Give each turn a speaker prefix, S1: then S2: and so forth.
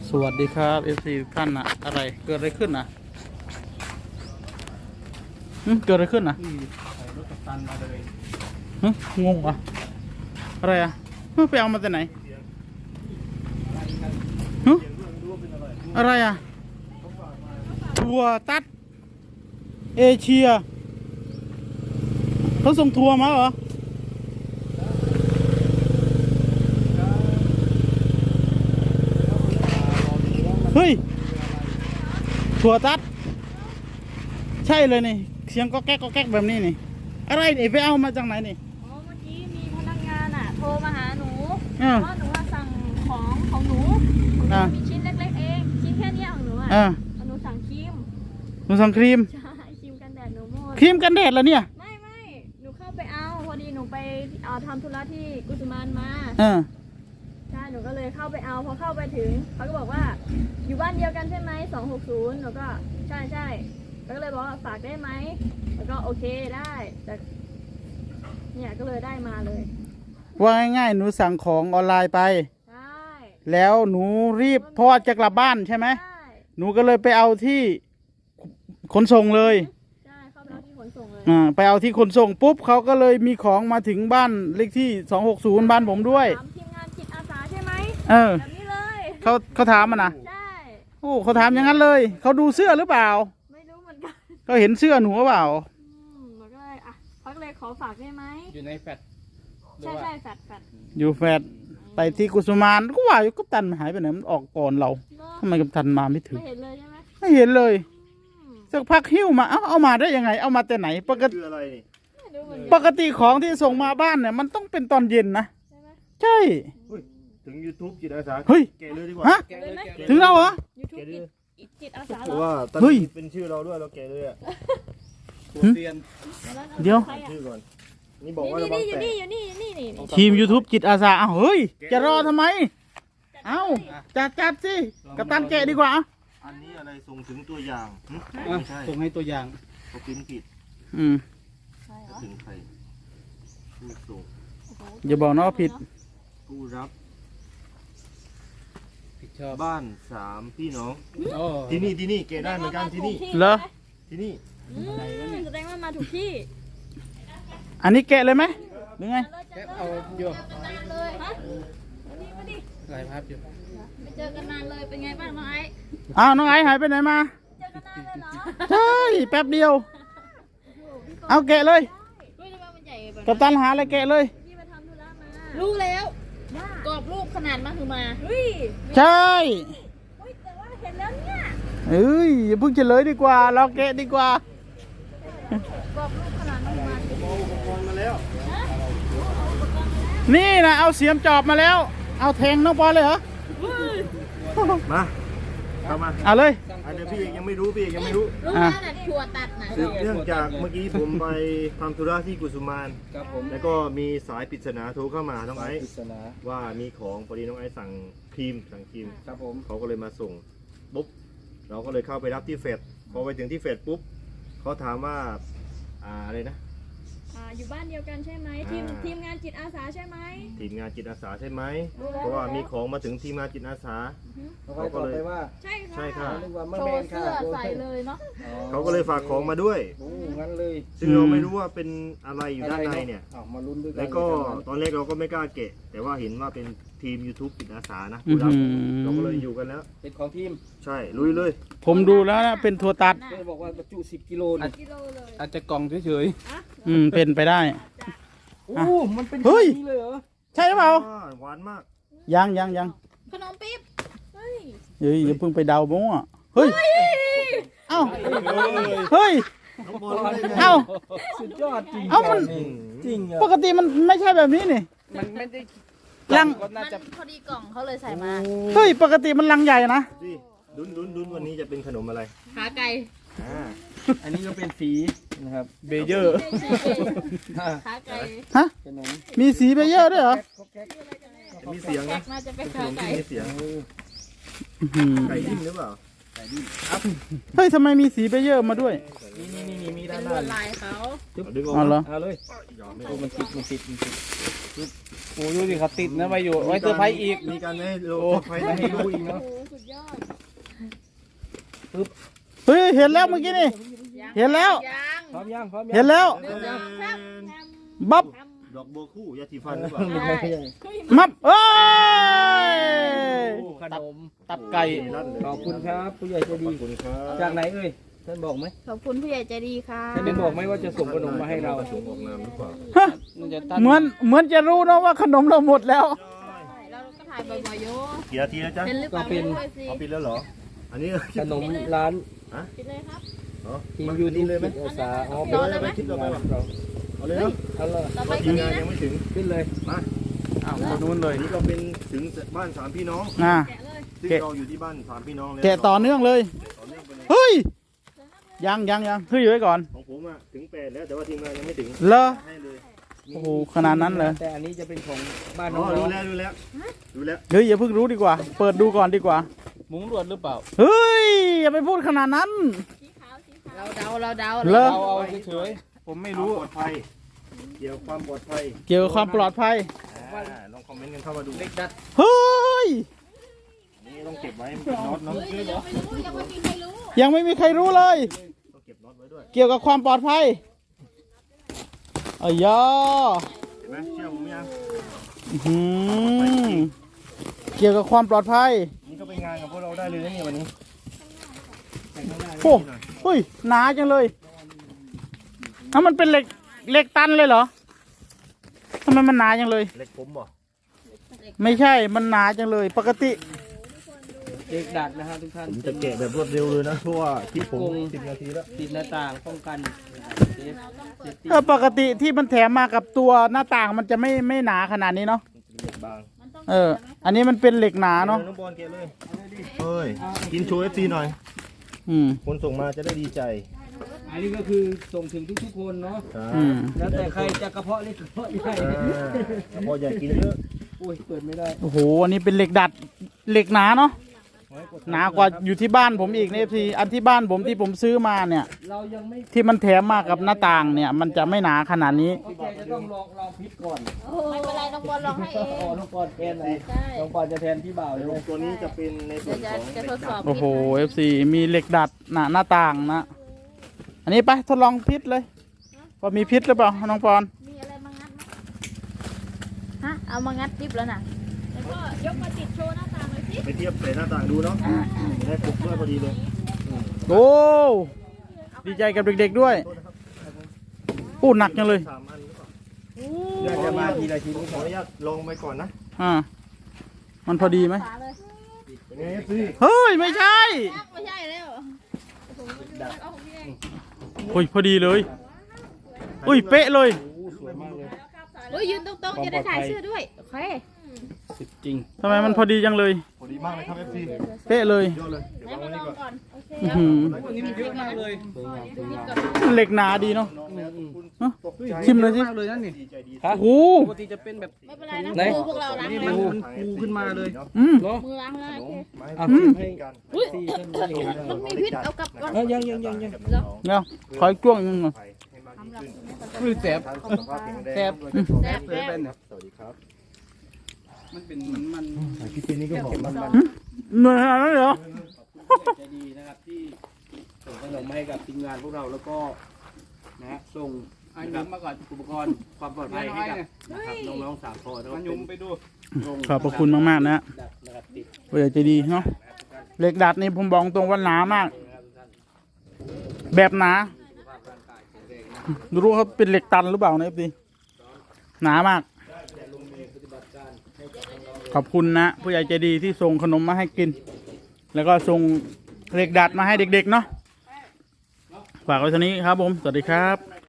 S1: สวัสดีครับ FC ทุกท่านนะอะไรเกิดอะไรขึ้นนะเกิดอะไรขึ้นนะ
S2: ใส่รถกัปตันมาเลย
S1: งงอ่ะอะไรอ่ะไปเอามาจากไหนอะไรอ่ะทัวร์ตัดเอเชียเขาส่งทัวร์มาเหรอเฮ้ยถั่วตัดใช่เลยนี่เสียงก็แก๊กก็แก๊กแบบนี้นี่อะไรนี่ไปเอามาจากไหนนี่
S3: อ๋อเมื่อกี้มีพนักงานโทรมาหาหนู
S1: อ่า
S3: ว่าหนูสั่งของหนูมีชิ้นเล็กๆเองชิ้นแค่นี้ของหนูหนูสั่งครีม
S1: หนูสั่งครีม
S3: ใช่ครีมกันแดดหนูหมด
S1: ครีมกันแดดแล้วเนี่ย
S3: ไม่หนูเข้าไปเอาพอดีหนูไปทำธุระที่กุสุมานมาใช่หนูก็เลยเข้าไปเอาพอเข้าไปถึงเขาก็บอกว่าอยู่บ้านเดียวกันใช่ไหม260หนูก็ใช่แล้วก็เลยบอกว่าฝากได้ไหมแล้วก็โอเคได้แต่เนี่ยก็เลยได้มาเลย
S1: ว่าง่ายๆหนูสั่งของออนไลน์ไป
S3: ใช่
S1: แล้วหนูรีบเพราะว่าจะกลับบ้านใช่ไหมหนูก็เลยไปเอาที่ขนส่งเลย
S3: ใช่เข้าไปเอาที่ขนส่งเลย
S1: ไปเอาที่ขนส่งปุ๊บเขาก็เลยมีของมาถึงบ้านเลขที่260บ้านผมด้วย
S3: ถามทีมงานจิตอาสาใช่ไหมแบบนี้เลย
S1: เขาถามมันนะ
S3: ใช่
S1: โอ้เขาถามอย่างนั้นเลยเขาดูเสื้อหรือเปล่า
S3: ไม่รู้เหมือนกัน
S1: เขาเห็นเสื้อหนูหรือเปล่า
S3: หนูก็เลยเขาก็เลยขอฝากได้ไหม
S2: อยู่ในแฟลต
S3: ใช่แฟด
S1: อยู่แฟดไปที่กุสุมานก็ว่าอยู่กัปตันหายไปไหนมันออกก่อนเราทำไมกัปตันมาไม่ถึง
S3: ไม่เห็นเลยใช่ไหม
S1: ไม่เห็นเลยสักพักหิ้วมาเอามาได้ยังไงเอามาแต่ไหนปกติปกติของที่ส่งมาบ้านเนี่ยมันต้องเป็นตอนเย็นนะใช่
S2: ถึง YouTube จิตอาสา
S1: เฮ้ย
S2: แกะเลยดีกว่า
S1: ฮะถึงเราเหรอ
S3: YouTube จิตอาสา
S2: เพราะว่าตอนนี้เป็นชื่อเราด้วยเราแกะเลยอ่ะเตียน
S1: เดี๋ยว
S2: ชื่อก่อนนี่บอกว่า
S3: อยู่นี่
S1: ทีม YouTube จิตอาสาเฮ้ยจะรอทำไมจัดสิกัปตันแกะดีกว่า
S2: อันนี้อะไรส่งถึงตัวอย่าง
S1: ไม่ใช่ส่งให้ตัวอย่าง
S2: เขาพิมพ์ผิดถึงใครผู้ส่ง
S1: อย่าบอกนะว่าผิด
S2: ผู้รับบ้าน3พี่น้องที่นี่เกได้เหมือนกันที่นี่
S1: เหรอ
S2: ที่นี่
S3: แสดงว่ามาถูกที่
S1: อันนี้แกะเลยไหมหรือไง
S2: แกะเอาเยอะ
S3: เลยฮะมาดิ
S2: หลายภาพอยู่
S3: ไม่เจอกันนานเลยเป็นไงบ้างน้องไอ้
S1: น้องไอ้หายไปไหนมา
S3: เจอกันนานเลยเหรอ
S1: ใช่แป๊บเดียวเอาแกะเลยกัปตันหาอะไรแกะเลย
S3: รู้แล้วกรอบรูปขนาดมาคือมา
S1: ใช่
S3: แต่ว่าเห็นแล้วเนี่ย
S1: อย่าเพิ่งเฉลยดีกว่าเราแกะดีกว่าก
S3: รอบรูปขนาดมาคือมา
S2: อุปกรณ์มาแล้ว
S1: นี่นะเอาเสียมจอบมาแล้วเอาแทงน้องบอลเลยเหรอ
S2: มาเข้ามา
S1: เอาเลย
S2: เดี๋ยวพี่ยังไม่รู้พี่ยังไม่รู้
S3: แล้วถั่วตัดนะ
S2: เนื่องจากเมื่อกี้ผมไปทำธุระที่กุสุมานแล้วก็มีสายปริศนาโทรเข้ามาน้องไอซ์ว่ามีของพอดีน้องไอซ์สั่งครีมครับผมเขาก็เลยมาส่งปุ๊บเราก็เลยเข้าไปรับที่เฟดพอไปถึงที่เฟดปุ๊บเขาถามว่าอะไรนะ
S3: อยู่บ้านเดียวกันใช่ไหมทีมงานจิตอาสาใช่ไหม
S2: ทีมงานจิตอาสาใช่ไหมเพราะว่ามีของมาถึงทีมงานจิตอาสาเขาก็เลยว่า
S3: ใช่ค่ะโชว์เสื้อใส่เลยเนาะ
S2: เขาก็เลยฝากของมาด้วยงั้นเลยซึ่งเราไม่รู้ว่าเป็นอะไรอยู่ด้านในเนี่ยมาลุ้นด้วยกันแล้วก็ตอนแรกเราก็ไม่กล้าเกะแต่ว่าเห็นว่าเป็นทีม YouTube จิตอาสานะเราก็เลยอยู่กันแล้วเป็นของทีมใช่ลุยเลย
S1: ผมดูแล้วนะเป็นถั่วตัด
S2: บอกว่าบรรจุ10 กิโล
S3: เลย
S1: อาจจะกล่องเฉยๆเป็นไปได้
S2: มันเป็นแบบนี้เลยเหรอ
S1: ใช่หรือเปล่า
S2: หวานมาก
S1: ยัง
S3: ขนมปี๊บ
S1: เฮ้ยอย่าเพิ่งไปเดาบ้งอ่ะเฮ้ยเอ้าเฮ้ยเอ้า
S2: สุดยอดจริง
S1: มันจริงปกติมันไม่ใช่แบบนี้นี่
S2: มันไม่ได้
S1: ลัง
S3: พอดีกล่องเขาเลยใส่มา
S1: เฮ้ยปกติมันลังใหญ่นะ
S2: ดุนวันนี้จะเป็นขนมอะไร
S3: ขาไก่
S2: อันนี้ก็เป็นสีนะครับ
S1: เบเยอร์
S3: ขาไก่
S1: ฮะมีสีเบเยอร์ด้วยเหรอ
S2: มีเสียงนะ
S3: จะเป็นขาไก่
S2: มีเสียงไก่ดิ้นหรือเปล่าไก่ดิ้น
S1: เฮ้ยทำไมมีสีเบเยอร์มาด้วย
S2: นี่มีด้าน
S3: ลายเขา
S2: ดึงออก
S1: เหรอ
S2: เอาเลยมันติด
S4: โอ้ดูสิเขาติดนะไว้อยู่ไว้เซอร์ไพรส์อีก
S2: มีการให้โลเซอร์ไพรส์ให้ดูอีก
S3: โอ้
S2: เนาะ
S3: โหสุดยอด
S1: เฮ้ยเห็นแล้วเมื่อกี้นี่เห็นแล้ว
S4: พร้อมยังพร้อมยัง
S1: เห็นแล้วบับ
S2: ดอกบัวคู่ยาสีฟันหรือเปล่า
S1: มับเอ้ย
S4: ขนม
S1: ตับไก่
S4: ขอบคุณครับผู้ใหญ่ใจดี
S2: ขอบคุณครับ
S4: จากไหนเอ่ยท่านบอกไหม
S3: ขอบคุณผู้ใหญ่ใจดีค่ะ
S4: ท่านได้บอกไหมว่าจะส่งขนมมาให้เรา
S2: ส่งออกนามหรือเปล่า
S1: ฮะ
S4: น่าจะ
S1: เหมือนจะรู้นะว่าขนมเราหมดแล้ว
S3: เราก็ถ่ายบ่อยๆโย
S2: กี่นาทีแล้วจ๊ะ
S3: เป็นหรือเปล่าไม่รู้เลยสิ
S2: เอาปิดแล้วเหรอ อันนี้
S4: ขนมร้าน
S3: ปิดเลยครับ
S2: อ๋อ
S4: ทีม
S2: มัน
S4: ยู
S2: นี่เลยไหม
S4: อาสาอ๋อ
S3: ปิดเลยไหม
S2: คลิปเราไปป่ะเอาเลยเนาะ
S4: เอาเลย
S3: ต่อไป
S2: ที
S3: ก็
S2: ม
S3: ดี
S2: งาน
S3: นะ
S2: ยังไม่ถึง
S4: ขึ้นเลย
S2: มา
S1: อ้าวคนนู้นเลย
S2: อันนี้ก็เป็นถึงบ้านสามพี่น้อง
S1: อ่า
S3: แกะเลย
S2: ซึ่งเราอยู่ที่บ้านสามพี่น้องแล้ว
S1: แกะต่อเนื่องเลย
S2: ต่อเนื่องไปเลย
S1: เฮ้ยยังเฮ้ยอยู่ไว้ก่อน
S2: ของผมอ่ะถึง8แล้วแต่ว่าทีมงานยังไม่ถึง
S1: เลอ
S2: ให้เลย
S1: โอ้โหขนาดนั้นเลย
S4: แต่อันนี้จะเป็นของบ้าน
S2: อ๋
S4: น้
S2: อ
S4: อง
S2: รู้
S4: ๆ
S2: แล้วรู้แล้วรู้แล้ว
S1: เฮ้ยอย่าเพิ่งรู้ดีกว่า เปิดดูก่อนดีกว่า
S4: มุ้งรวดหรือเปล่า
S1: เฮ้ยอย่าไปพูดขนาดนั้น
S3: สีขาวสีขาวเราเดา
S1: เลอ
S4: เราเอาเฉย
S1: ผมไม่
S2: รู้
S1: รู้
S2: ปลอดภัยเกี่ยวกับความปลอดภัย
S1: เกี่ยวกับความปลอดภัย
S2: ลองคอมเมนต์กันเข้ามาดู
S4: เล็กดัด
S1: เฮ้ย
S2: นี่ต้องเก็บไว้เป็นน็อตเนาะ
S1: ยังไม่มีใครรู้เลย
S2: ต้องเก็บน็อตไว้ด้วย
S1: เกี่ยวกับความปลอดภัยอ้ยา
S2: เห็นไหมเชื่อผมยัง
S1: อื้อหือเกี่ยวกับความปลอดภัย
S2: นี่ก็เป็นงานกับพวกเราได้เลยนะเนี่ยวันนี้
S1: โอ้เฮ้ยหนาจังเลยอ้าวมันเป็นเหล็กตันเลยเหรอทำไมมันหนาจังเลย
S2: เล็กผมบ่
S1: ไม่ใช่มันหนาจังเลย ปกติ
S4: เล็กดัดนะฮะทุกท่าน
S2: ผมจะแกะแบบรวดเร็วเลยนะเพราะว่าที่ผม10 นาทีแล้ว
S4: ติดหน้าต่างป้องกันเซฟตี้
S1: ปกติที่มันแถมมากับตัวหน้าต่างมันจะไม่หนาขนาดนี้เนาะ
S2: เล็กบาง
S1: อันนี้มันเป็นเหล็กหนาเนาะ
S2: น้องบอลแกะเลยเฮ้ยกินโชว์ FC หน่อย
S1: อืม
S2: คนส่งมาจะได้ดีใจ
S4: อันนี้ก็คือส่งถึงทุกๆคนเนาะ
S1: อืม
S4: แล้วแต่ใครจะกระเพาะเล็กกระเพาะใหญ่
S2: พออยากกินเยอะ
S4: อุ้ยเปิดไม่ได้
S1: โอ้โหอันนี้เป็นเหล็กดัดเหล็กหนาเนาะหนากว่าอยู่ที่บ้านผมอีกเนี่ยพี่อันที่บ้านผมที่ผมซื้อมาเนี่ย
S4: เรายังไม่
S1: ที่มันแถมมากับหน้าต่างเนี่ย มันจะไม่หนาขนาดนี้
S4: พี่แกจะต้องลองพลิกก่อน
S3: ไม่เป็นไรน้องบอลลองให้เอง
S4: อ๋อน้องปอนแทนเลย
S3: ใช่
S4: น้องปอนจะแทนพี่บ่าวเลย
S2: ตัวนี้จะเป็นในส่วนของ
S3: จะทดสอบ
S1: โอ้โห FC มีเหล็กดัดหน้าต่างนะ อันนี้ไปทดลองพิษเลยว่ามีพิษหรือเปล่าน้องปอน
S3: มีอะไรมางัดไหมฮะเอามางัดดิบแล้วน่ะแล้วก็ยกมาติดโชว์หน้าต่างเลยสิ
S2: ไปเทียบใส่หน้าต่างดูเนาะได้ปลุกด้วยพอดีเลย
S1: โอ้ดีใจกับเด็กๆด้วยโอ้หนักจังเลย
S2: 3 อันหรือเปล่า
S4: เดี๋ยวจะมาทีละชิ้น
S2: ขออนุญาตลองไปก่อนนะ
S1: อ่ามันพอดีไหม
S3: ฝาเลย
S2: เป็นไง FC
S1: เฮ้ยไม่ใช่
S3: ไม่ใช่แล้วเอาของพี่เอง
S1: โอ้ยพอดีเลยอุ้ยเป๊ะเลย
S4: สวยมากเลย
S3: เฮ้ยยืนตรงๆจะได้ถ่ายเสื้อด้วยโอเค
S4: สุดจริง
S1: ทำไมมันพอดีจังเลย
S2: พอดีมากเลยครับ FC
S1: เป๊ะเลย
S2: ยอดเลยเดี๋ยว
S3: ให้
S2: วาง
S3: มา
S2: ไว้
S3: ล
S2: นี่
S3: อง
S2: ก่อน
S3: ก่อนโอเค
S1: อื้อหือ
S4: วันนี้มันเยอะมากเลย
S1: เหล็กหนาดีเนาะ
S2: น้องแล้วคุณ
S1: เอ้า
S2: ตกใจ
S1: ชิมเลยสิ
S4: มากเลยนั่นนี่
S2: ดีใจดี
S1: โอ้โห
S4: ปกติจะเป็นแบบ
S3: ไม่เป็นไรนะ
S4: ไหน
S3: มือพวกเราล้าง
S4: นี่
S3: แล้
S4: มั
S3: วน
S4: ฟูขึ้นมาเลย
S1: อืม
S4: เนาะ
S3: มือล้างแล้ว
S2: ขน
S3: โอ
S2: ม
S3: เค
S2: ไม้
S4: เอา
S2: จิ้ม
S4: ให้
S2: กัน
S4: ซี่ท่านได้เห็นแล้ว
S3: มันมีพิษเอากลับก่อน
S4: ยัง
S1: เดี๋ยวขออีกจ้วงหนึงก่อน
S2: ให้มากยิ่งขึ้น
S4: คือแสบ
S2: ทานสุขภาพแข็งแรง
S4: แซ่บ
S2: ด้วยกัน
S3: แซ่บ
S4: เลย
S3: แซ่บ
S4: เป็นเนี่ย
S2: สวัสดีครับ
S4: มันเป็นเหมือนมัน
S2: พี่ปีนี้ก็หอมมัน
S1: เหนื่อยขนาดนั้นเลยเหรอ
S4: ใจดีนะครับที่ส่งขนมมาให้กับทีมงานพวกเราแล้วก็นะฮะส่งนะครับมาก่อนอุปกรณ์ความปลอดภัยให้กับนะครับน้องๆ3 คนแล้วก็ยุมไปดู
S1: ขอบพระคุณมากๆนะฮะ
S4: นะครับติด
S1: ผู้ใหญ่ใจดีเนาะเหล็กดัดนี่ผมบอกตรงว่าหนามาก แบบหนารู้เขาเป็นเหล็กตันหรือเปล่านะเอฟซีหนามาก ขอบคุณนะผู้ใหญ่ใจดีที่ส่งขนมมาให้กิน แล้วก็ส่งเหล็กดัดมาให้เด็กๆเนาะฝากไว้เท่านี้ครับผม สวัสดีครับ